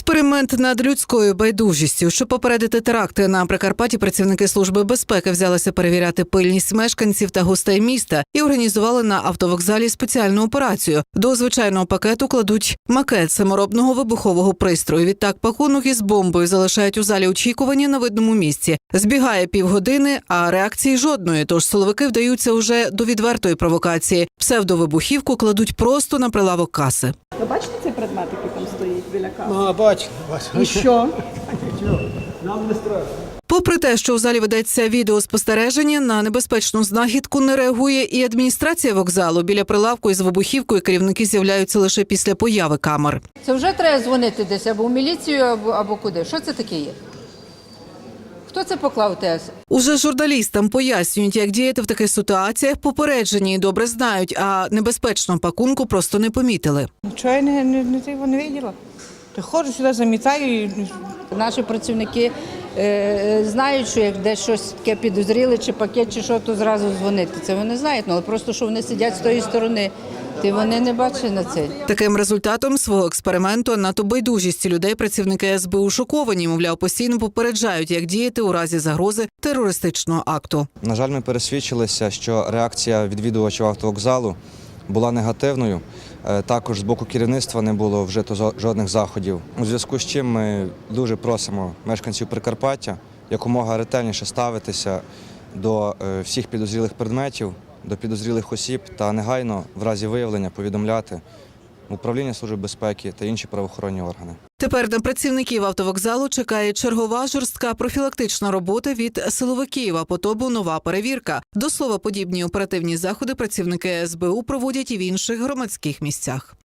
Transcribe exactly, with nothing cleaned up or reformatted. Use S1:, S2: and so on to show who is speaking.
S1: Експеримент над людською байдужістю. Щоб попередити теракти на Прикарпатті, працівники Служби безпеки взялися перевіряти пильність мешканців та гостей міста і організували на автовокзалі спеціальну операцію. До звичайного пакету кладуть макет саморобного вибухового пристрою. Відтак пакунок із бомбою залишають у залі очікування на видному місці. Збігає півгодини, а реакції жодної, тож силовики вдаються уже до відвертої провокації. Псевдовибухівку кладуть просто на прилавок каси.
S2: Ви бачите цей предмет, який там стоїть біля каси?
S3: А, бачу, бачу.
S2: І що?
S3: Нам не страшно.
S1: Попри те, що у залі ведеться відеоспостереження, на небезпечну знахідку не реагує і адміністрація вокзалу. Біля прилавку із вибухівкою керівники з'являються лише після появи камер.
S4: Це вже треба дзвонити десь або в міліцію, або, або куди. Що це таке є? Хто це поклав ТС?
S1: Уже журналістам пояснюють, як діяти в таких ситуаціях. Попереджені і добре знають, а небезпечного пакунку просто не помітили.
S2: Нічого я не, не, не, не, не виділа. Ти ходжу сюди, замітаю. І...
S4: Наші працівники е, знають, що як десь щось таке підозріли, чи пакет, чи що, то зразу дзвонити. Це вони знають, але просто, що вони сидять з тої сторони, ти вони не бачать на це.
S1: Таким результатом свого експерименту надто байдужістю людей працівники ес бе у шоковані. Мовляв, постійно попереджають, як діяти у разі загрози терористичного акту.
S5: На жаль, ми пересвідчилися, що реакція відвідувачів автовокзалу була негативною. Також з боку керівництва не було вжито жодних заходів. У зв'язку з чим ми дуже просимо мешканців Прикарпаття якомога ретельніше ставитися до всіх підозрілих предметів, до підозрілих осіб та негайно в разі виявлення повідомляти Управління Служби безпеки та інші правоохоронні органи.
S1: Тепер на працівників автовокзалу чекає чергова жорстка профілактична робота від силовиків, а потому нова перевірка. До слова, подібні оперативні заходи працівники ес бе у проводять і в інших громадських місцях.